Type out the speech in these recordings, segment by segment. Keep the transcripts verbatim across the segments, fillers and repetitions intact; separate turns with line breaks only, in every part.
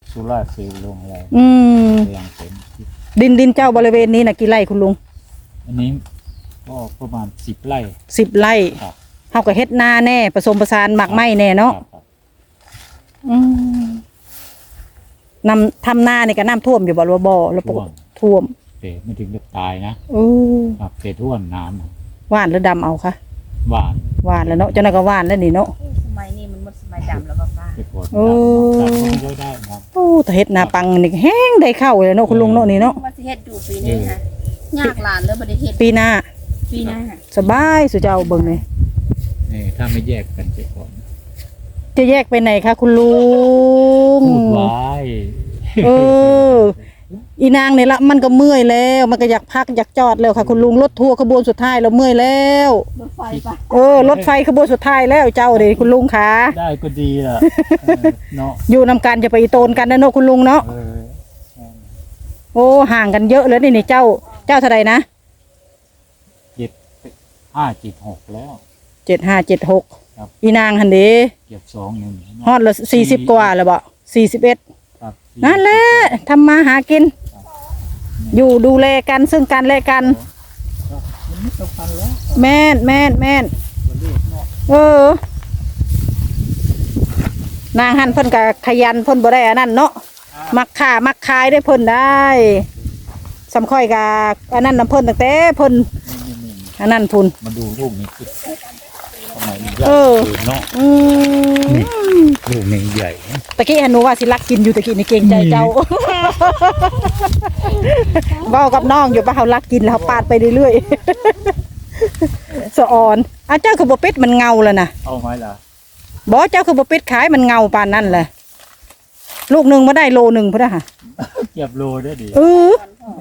สุราษฎร์เซลล์ลงอะไร
อืม
แรงเป็น
ดินดินเจ้าบริเวณนี้น่ะกี่ไร่คุณลุง
อันนี้ก็ประมาณสิบไร่
สิบไร่
ครับ
เฮาก็เฮ็ดนาแน่ผสมผสานหมักไม้แน่เนาะอืมนำทำนานี่ก็น้ำท่วมอยู่บ่หรือบ่แล้วปกติท่วม
เตะไม่ถึงจะตายนะ
เออ
ครับเตะท่วมน้
หวานหรือดำเอาคะ
ำหวาน
หวานแล้วเนาะเจ้าน่ะก็หวานแล้วนี่เนาะ
สมัยนี้มันหมดสมัยดำแล้วป้า
โอ้
ดำได้ครับ
โอ้แต่เฮ็ดนาปังนี่แห้งได้เข้าเลยเนาะคุณลุงเนาะนี่เนาะ
ว่าสิเฮ็ดอยู่ปีนี้ค่ะยากหลานเลยบ่ได้เฮ็ด
ปีหน้า
ปีหน้า
สบายสุเจ้าเบิ่งนี่
นี่ถ้าไม่แยกกันจะก่อน
จะแยกไปไหนคะคุณลุง
พูดไว้
เอออีนางนี่ละมันก็เมื่อยแล้วมันก็อยากพักอยากจอดแล้วค่ะคุณลุงรถทัวร์ขบวนสุดท้ายเราเมื่อยแล้ว
รถไฟปะ
เออรถไฟขบวนสุดท้ายแล้วเจ้าเด้คุณลุงขา
ได้ก็ดีล่ะเนาะ
อยู่นำกันจะไปโตนกันนะเนาะคุณลุงเนาะโอ้ห่างกันเยอะเลยนี่นี่เจ้าเจ้าเท่าไหร่นะ
เจ็ดห้าเจ็ดหกแล้ว
เจ็ดห้าเจ็ดหกอีนางหันเด้
เก็บสองหนึ่ง
ฮอดละสี่สิบกว่าแล้วบ่สี่สิบเอ็ดนั่นแหละทำมาหากินอยู่ดูแลกันซึ่งกันและกันแม่นแม่นแม่นเออนางหันเพิ่นกับขยันเพิ่นบ่ได้อันนั้นเนาะมักข่ามักขายได้เพิ่นได้สำค่อยกับอันนั้นน้ำเพิ่นตั้งแต่เพิ่นอันนั้นพุ่น
มาดูลูกนี้คือทำไมใหญ่เนาะลูกนี้ใหญ่
ตะกี้หนูว่าสิรักกินอยู่ตะกี้นี่เก่งใจเจ้าเว้ากับน้องอยู่ป่ะเขารักกินแล้วเขาปาดไปเรื่อยๆสะออนอ่ะเจ้าคือบ่เป็ดมันเงาแล้วนะ
เอาไหมล่ะ
บ่เจ้าคือบ่เป็ดขายมันเงาปานนั้นแหละลูกหนึ่งมาได้โลหนึ่งพุ่นน่ะค่ะ
เก็บโลได้ดิ
เออ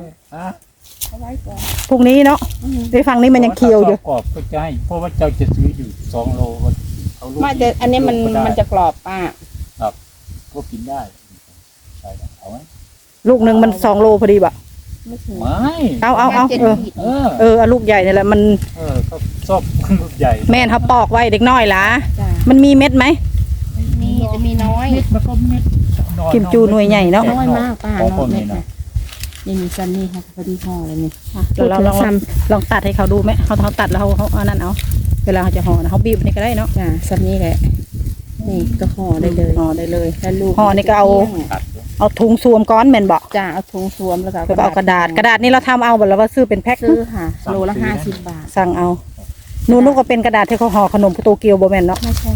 พวกนี้เนาะในฝั่งนี้มันยังเคียวอยู่
กรอบก็ใช่เพราะว่าเจ้าจะซื้ออยู่สองโล
เอาลูกไม่แต่อันนี้มันมันจะกรอบป้า
ครับพวกกินได้ใช่เอาไหม
ลูกหนึ่งมันสองโลพอดีบ่
ไม่
เอาเอาเอาเออเออเออลูกใหญ่นี่แหละมัน
เออเขาชอบลูกใหญ่
แม่เขาปอกไว้เด็กน้อยล่ะมันมีเม็ดไหม
มีจะมีน้อย
เม็ดมันก็เม็ด
กิมจูหน่วยใหญ่เนาะ
น้อยมากป้าน้อยเม็ดนะนี่มีซันนี่ค่ะพอดีห่อเลยนี่
เราลองลองตัดให้เขาดูไหมเขาเขาตัดแล้วเขาเขาเอานั่นเอาเวลาเขาจะห่อนะเขาบีบนี่ก็ได้เนาะ
จ้าซันนี่แหละนี่ก็ห่อได้เลย
ห่อได้เลย
แล้วลูก
ห่อนี่ก็เอาเอาถุงสวมก้อนแม่นบอก
จ้าเอาถุงสวมแล้วก็
เอากระดาษกระดาษนี่เราทำเอาแบบว่าซื้อเป็นแพ็ค
ซื้อค่ะโลละห้าสิบบาท
สั่งเอานูนุก็เป็นกระดาษที่เขาห่อขนมโตเกียวโบแมนเนาะ
ไม่ใช่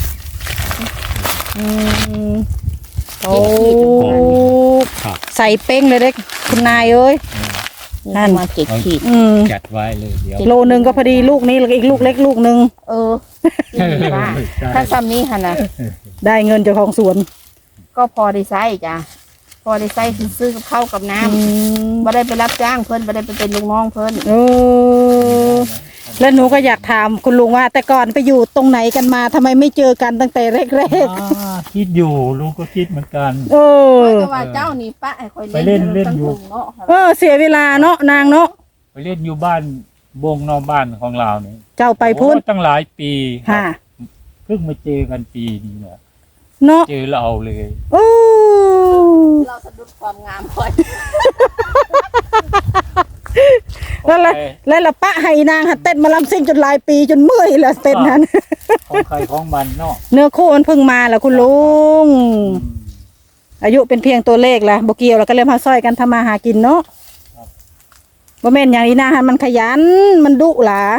อืมโอ้ใส่เป้งเลยเด็กคุณนายเอ้ย
นั่นมาเจ็ดขีด
จัดไว้เลยเดี๋ยว
โลนึงก็พอดีลูกนี้แล้วอีกลูกเล็กลูกนึง
เออถ้าซ้ำนี้ค่ะนะ
ได้เงินเจ้าของสวน
ก็พอได้ใช้จ้ะพอได้ใช้ซื้อกับข้าวกับน้ำไม่ได้ไปรับจ้างเพิ่นไม่ได้ไปเป็นลูกน้องเพิ่น
เออแล้วหนูก็อยากถามคุณลุงว่าแต่ก่อนไปอยู่ตรงไหนกันมาทำไมไม่เจอกันตั้งแต่แรก
ๆคิดอยู่ลุงก็คิดเหมือนกัน
เออ
ว่าเจ้านี่ป้าไอ้คอย
ไปเล่นเล่นอยู่
เออเสียเวลาเนาะนางเนาะ
ไปเล่นอยู่บ้านบงนอกบ้านของเราเนี่ย
เจ้าไปพูด
ตั้งหลายปี
ค่ะ
เพิ่งมาเจอกันปีนี้เนี่ย
เนาะ
เจอเราเลย
โอ้
เราสะดุดความงามคอย
แล้วละแล้วละปะให้นางหัดเต้นมาลำซิ่งจนหลายปีจนเมื่อยละเต้นนั้น
ของใครของมันเนาะ
เนื้อคู่มันเพิ่งมาแล้วคุณลุงอายุเป็นเพียงตัวเลขละโบเกียวเราก็เริ่มหาซอยกันทำมาหากินเนาะบ่แม่นอย่างนี้นะฮะมันขยันมันดุหล่ะ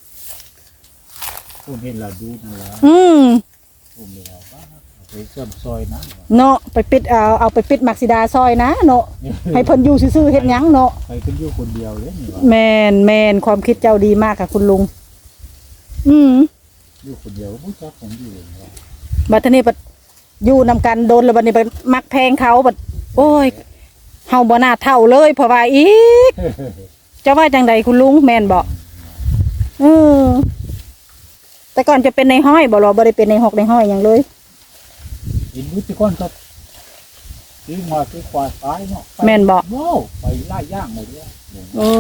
ผมเห็นเราดูนั่นแหละ
อืม
ผมเห็นเราไปเชื่อมซอยนะ
เนาะไปปิดเอาเอาไปปิดมักซิดาซอยนะเนาะให้เพิ่นอยู่ซื่อๆเฮ็ดหยังเนาะ
ไปเพิ่นอยู่คนเดียวเลยนี่ว่า
แม่นแม่นความคิดเจ้าดีมากค่ะคุณลุงอืม
อยู่คนเดียวบ่จักผมอยู่เลย
บัดนี้บัดอยู่นำกันโดนแล้วบัดนี้บัดมักแพงเขาบัดโอ้ยเฮาบ่น่าเท่าเลยเพราะว่าอีกจะว่าจังใดคุณลุงแม่นบ่เออแต่ก่อนจะเป็นในห้อยบ่หรอบ่ได้เป็นในหอกในห้อยหยังเลย
อินวุฒิก้อนครับที่มาที่ควายตายเนาะ
แม่นบ่
โอ้ไปไล่ย่างหมดเลย
โอ้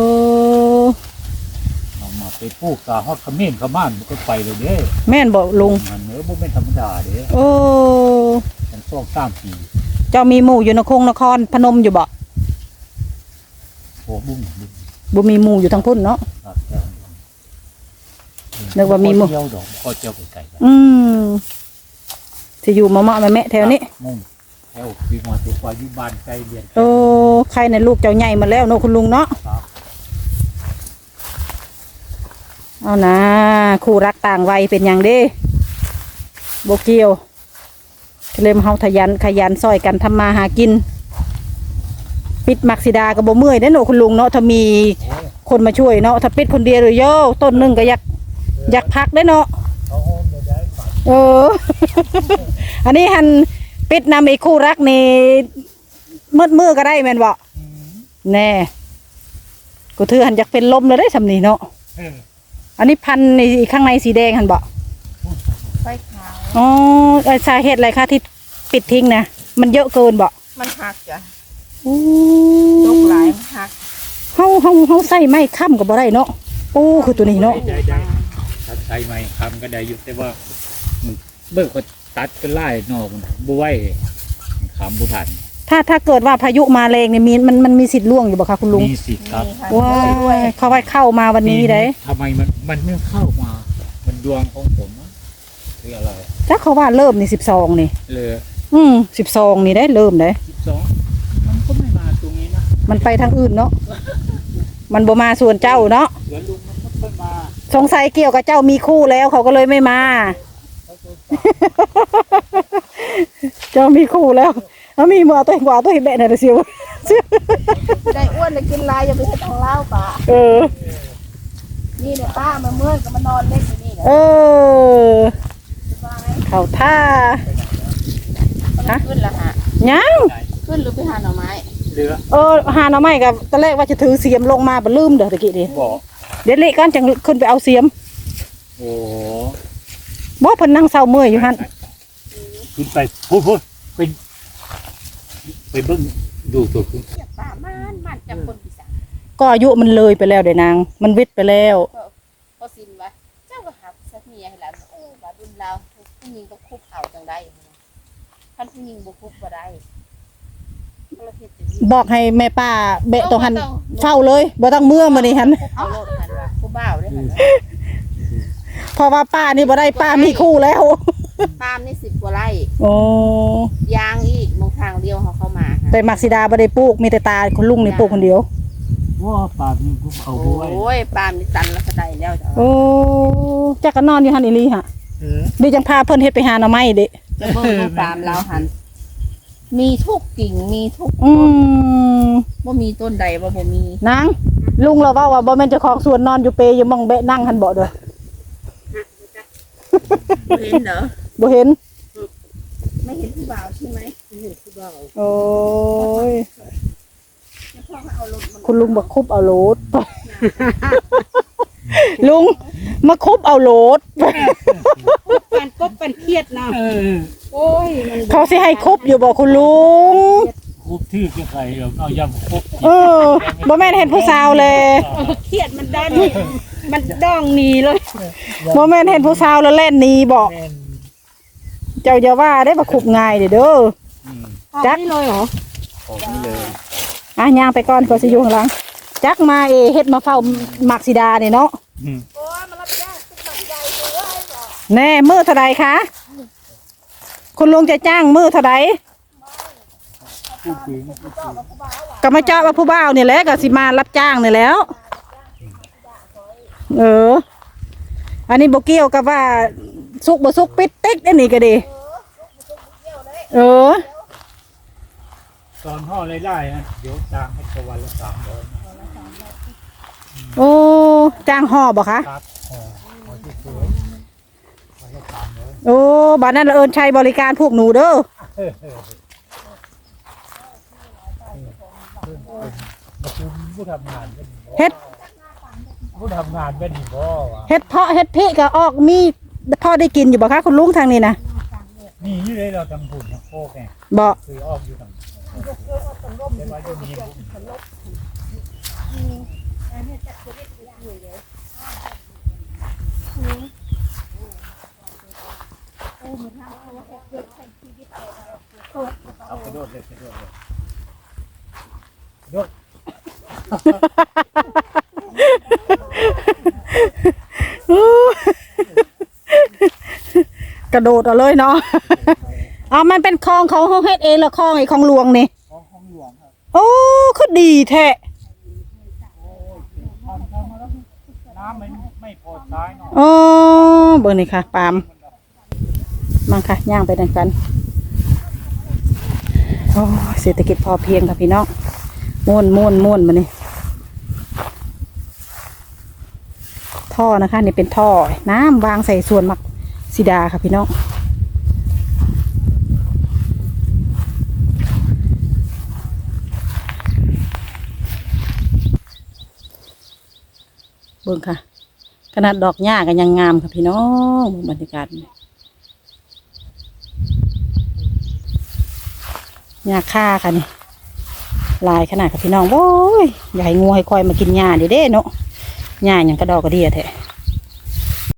เอามาไปปลูกตาฮอดขมิ้นขม่านมันก็ไปเลยเด้
แม่นบ่ลุง
มันเนื้อบ่แม่นธรรมดาเด้
โอ้
มันสองสามปี
เจ้ามีหมู่อยู่นครนครพนมอยู่บ่
โอ้บุ้งบุ้ง
บ่มีหมู่อยู่ทางพุ่นเนาะ
ครับเจ้า
นึกว่ามีหมู่
เที่ยวดอกก็เที่ยวไกลๆกัน
อืมสิอยู่มาเมาะมาแม่แถวนี้
มุ่งแถวปีมาตัวควายอยู่บ้านใกล้เรียน
โอ้ใครในลูกเจ้าใหญ่มาแล้วเนาะคุณลุงเนาะ
ครับ
เอานะคู่รักต่างวัยเป็นอย่างเด้โบเกียวเริ่มเฮาทะยันขยันซอยกันทำมาหากิน ปิดมักซิดากับโบเมื่อยได้อเนาะคุณลุงเนาะถ้ามีคนมาช่วยเนาะถ้าปิดคนเดียวเลยโย่ต้นหนึงก็อยากอยากพักได้อเนาะ
เขาโฮมเดี๋ยวได้ฝาก
เออ อันนี้หันปิดนำอีกคู่รักนี่มืดมือก็ได้แม่นบ่แน่กูถือหันอยากเป็นลมเลยได้สำนีเนาะ
เออ
อันนี้พันในข้างในสีแดงหันบ่
ไฟขาว
อ๋อเอ่อสาเหตุอะไรคะที่ปิดทิ้งนะมันเยอะเกินบ่
มันหักจ้ะ
โอ้
ตกหลายมันหัก
เฮาเฮาเฮาใส่ไม้ค้ำก็บ่ได้เนาะโอ้คือตัวนี้เนาะ
ได้ได้ถ้าใช้ไม้คำก็ได้อยู่แต่ว่ามันเบิกก็ตัดก็ไล่นอกมันบ่ไหวคำบุทัน
ถ้าถ้าเกิดว่าพายุมาแรงเนี่ยมีมันมันมีสิทธิ์ล่วงอยู่บ่คะคุณลุง
มีสิทธิ์ครับ
มีค่ะ
ว้ายเขาไว้เข้ามาวันนี้ได้
ทำไมมันมันไม่เข้ามา มันดวงของผมอะหรืออะไร
ถ้าเขาว่าเริ่มนี่สิบสองนี่
เลย
อืมสิบสองนี่ได้เริ่มได้
สิบสองมันก็ไม่มาตรงนี้นะ
มันไปทางอื่นเนาะ มันบ่มาส่วนเจ้าเนาะ
เดี๋ยวลุงมันก็ค่อยมา
สงสัยเกี่ยวกับเจ้ามีคู่แล้วเขาก็เลยไม่มา เจ้ามีคู่แล้วเอามีมือเอาตัวเองกว่าตัวเองแบะหน่อยเสียว
ได้อ้วนได้กินลายอย่าไปให้ทางเล่าป่า
เออ
นี่เนี่ยป้ามาเมื่อยก็มานอนเล่นอยู่นี่แหละ
เออ
สบาย
เขาท่า
มันขึ้นละฮะ
ยัง
ขึ้นหรือไปหาหน่อไม้
เหลือ
เออหาหน่อไม้กับตอนแรกว่าจะถือเสียมลงมาบ่ลืมเด้อตะกี้ดิ
บอก
เดี๋ยวเละกันจังขึ้นไปเอาเสียม
โอ้
บ่เพิ่นนั่งเศร้าเมื่อยอยู่หั่น
ขึ้นไปพูดพูดไปไปเบิ้งดูตัวคุณ
เสียป้ามันมันจับคนปีศาจ
ก็อายุมันเลยไปแล้วเด้นาง มันวิทย์ไปแล้ว
พอสินวะเจ้าก็หักสักเมียให้หลานโอ้บาดุนเราผู้หญิงต้องคุกเข่าจังได้ท่านผู้หญิงบุคุกบ่ได้เราเฮ็ดจังซี่
บอกให้แม่ป้าเบะตรงหันเฝ้าเลยบ่ต้องเมื่อมื้อนี้หั่น
เอาโลดหันว่าผู้บ่าวได้หันว่า
เพราะว่าป้านี่บ่ได้ป้ามีคู่แล้ว
ปาล์มนี่สิบกว่าไร่
โอ้
ยางอีกมองทางเดียวเขาเข้ามาค่ะ
แต่มักซิดาบ่ได้ปลูกมีแต่ตาคุณลุงนี่ปลูกคนเดียว
ว่าปากนี่กูเขาด้วย
โอ้ยปาล์มนี่ตันแล้วก็ได้แล้วจ้ะ
โอ้จักก็นอนอยู่หั่นอีหลีฮะ
เออ
ดิจังพาเพิ่นเฮ็ดไปหาหน่อไม้เด้
จะเบิ่งดูปาล์มเราหันมีทุกกิ่งมีทุก
อื
ต้น
ม
ว่ามีต้นใดว่าบ่มี
นางลุงเราเว้าว่าบ่แม่นเจ้าของสวนนอนอยู่เปอยู่หมองเบะนั่งหั่นบ่เด้อ
บ่เห็นเหรอ
บ่เห็น
ไม่เห็นผู้บ่าวใช่ไหมเห็นผู้บ่าว
โอ้ย
แล้วพ่อเขาเอารถมัน
คุณลุงบอกคุบเอาโหลด ลุงมาคุบเอาโหลด
ปันกบปันเครียดนะ
เออ
โอ้ยมัน
เขาสิให้คุบอยู่บ่คุณลุง
คุบที่แกใครเราเอายำคุบ
เออบ่แม่นเห็นผู้สาวเลย
เครียดมันดันมันด้องหนีเลย
บ่แม่นเห็นผู้สาวแล้วเล่นหนีบ่
แม่น
เจ้าอย่าว่าได้บ่คุบง่ายเด้อเด้อ
อืม
จัก
นี่เลยเหรอ
ออกนี่เลย
อ่ะย่างไปก่อนก็สิอยู่ข้างหลัง จักมาเอเฮ็ดมาเฝ้ามักซิดานี่เนาะ
อืม
โอ้ยมันรับจ้างเป็นแบบใหญ่เลยเหรอ
แน่มื้อเท่าใดคะคุณลุงจะจ้างมื้อเท่าใด
ผู้หญิง
ก็มาเจาะว่าผู้บ่าวนี่แหละก็สิมารับจ้างนี่แหล้ว เออ อันนี้บ่เกี่ยวกับว่าสุกบ่สุกปิดติ๊กอันนี้ก็ดี เออ
ตอนห่อไล่ๆนะเดี๋ยวจ้างให้ตะวันละสามร้อย
โอ้จ้างห่อบ่คะ
ครับห่อห่อที่สวยวันละสามร้อย
โอ้บ้านนั้นเอิญใช้บริการพวกหนูเด้อ
เออเออมาคุมผู้ทำงานเป็นบ่
เฮ็ด
ผู้ทำงานเป็นบ่วะ
เฮ็ดเพาะเฮ็ดเพะก็ออกมีพอได้กินอยู่บ่คะคุณลุงทางนี้นะ
นี่อยู่เลยเราทำบุญทำโคกไง
บ่
คือออกอยู่ทางแต่ว่าอยู่นี่บุญ
เ
เอากระโดดเลยกระโดดเลยกระโดด
กระโดดเอาเลยเนาะ อ๋อมันเป็นคลองเขาเขาเฮ็ดเองแล้วคลองไอ้คลองหลวงนี่
ของของหลวงครับ
โอ้คือดีแท้
ทำทำมาแล้วน้ำมันไม่พอใช้เนาะ
อ๋อเบิ่งนี่ค่ะปาล์มมาค่ะย่างไปดังกันโอ้ยเศรษฐกิจพอเพียงค่ะพี่น้องม่วนม่วนม่วนมานี่ท่อนะคะนี่เป็นท่อน้ำวางใส่ส่วนมักสีดาค่ะพี่น้องเบิ่งค่ะขนาดดอกหญ้ากันยังงามค่ะพี่น้องบรรยากาศหญ้าค่าค่ะนี่ลายขนาดค่ะพี่น้องโอ้ยอย่าให้งูให้ควายมากินหญ้าเด้เด้เนาะหญ้าอย่างกระดอกกระเดียแท้